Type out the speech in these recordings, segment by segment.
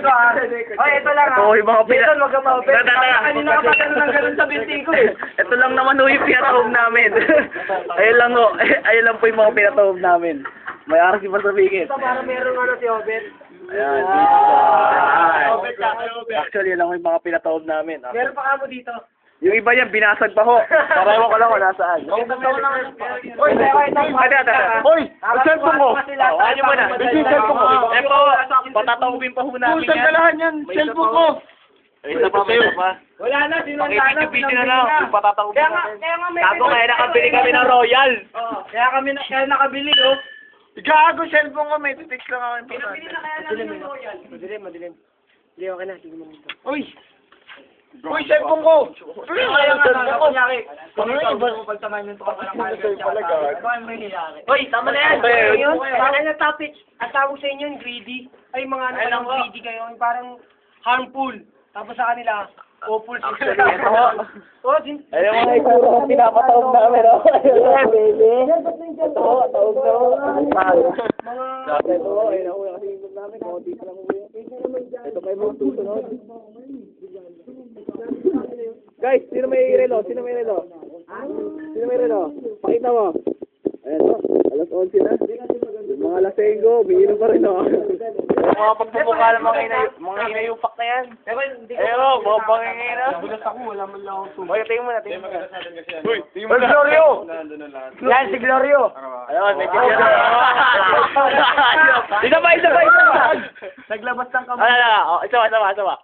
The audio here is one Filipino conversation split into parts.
ko ah. Oy, ito lang ah. Oo, yung mga Jason, wag ka ma-open. Tara. Kanina ka pa ganun sa binti ko eh. Ito lang naman ho yung pinatahog namin. Ayun lang po yung mga pinatahog namin. May aras yung pasabigit. Ito para merong ano si Obet. Ayan. Actually, yun lang yung mga pinatahog namin. Meron pa kamo dito. Yung iba yan, binasag pa ho. Para ewan ko lang kung nasaan. Oy, Hoy, ang cellphone ko. Ano mo na? Ito yung cellphone ko. Eh po, patatawin pa ho namin yan. Kalahan yan, cellphone ko. Isa pa. Wala na, sinundan na. Pakibidyo na lang. Yung patatawin Kaya pa nga, namin. kaya nga may... Gago, kaya nakabili kami ng Royal. Oo, kaya nakabili oh. Gago, cellphone ko. May titix lang ako. Pinabili na kaya namin ng Royal. Madilim. Hindi, okay na. Tingnan mo dito. Uy, cellphone ko. Kaya nga, kunyari. Pagtamayin yung tukot ng Hoy, tama na yan. Yun, parang na topic. Ang tawag sa inyo yung greedy. Ay, mga ano parang greedy kayo. Yung parang harmful. Tapos sa kanila, hopeful. Actually, ito ho. Alam mo nga ito, pinapatawag namin, no? Ito ho, tawag na ho. Sabi ito ho, ayun ako, kasi yung namin, konti pa lang uwi. Ito kayo mo susunod. Guys, sino may relo? Sino may relo? Pakita mo. Ayan o, alas 11 na. Yung mga lasenggo, umiinom pa rin o. Mga pagpupukal, mga inayupak na yan. Ewan, mga pangingay na. Bulas ako, wala man lang ako Oy, tingin mo na. Uy, tingin mo na. Glorio! Yan, si Glorio. Ayun, may kanya na. Isa pa. Naglabas ng kamay. Isa pa.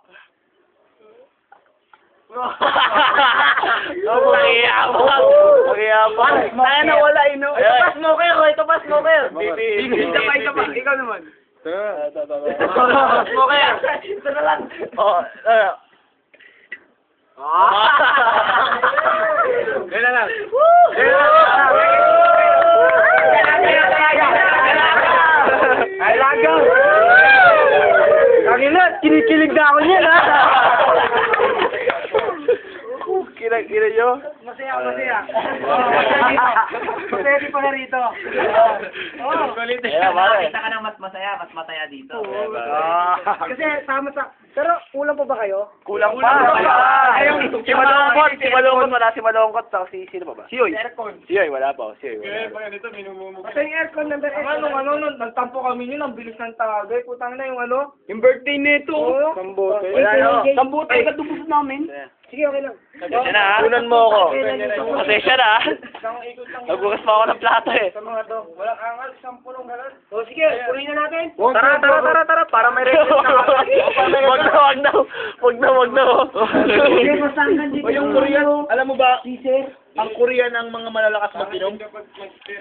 Pakiyabang. Kaya nawala eh, no? Ito pa smoker. Isa pa. Ikaw naman. Smoker. Ito na lang. Yan na lang. Ay, lagaw. Kagila, kinikilig na ako niyan, ha? Kira nyo? Masaya. Masaya di pa na rito. Nakita ka ng mas masaya dito. Ah. Kasi sama sa... Pero kulang pa ba kayo? Kulang pa. Si Malungkot, wala si Malungkot. Sino pa ba? Si Yoy. Si Yoy, wala pa. Si Yoy, wala. Kasi yung aircon number 8. Nagtampo kami yun, ang bilis ng tagay. Putang na yung ano. Yung birthday nito. Sambote. Sambote, katubos namin. Sige, okay lang. Pasensya na, ha? Tunan mo ako. Pasensya na, ha? Nagbukas pa ako ng plato, eh. Sa mga to, walang angal, isang punong galas. O sige, punin na natin. Tara. Para may record na. Wag na. Sige, masanggan dito. Yung Korean, alam mo ba, ang Korean ang mga malalakas mag-inom?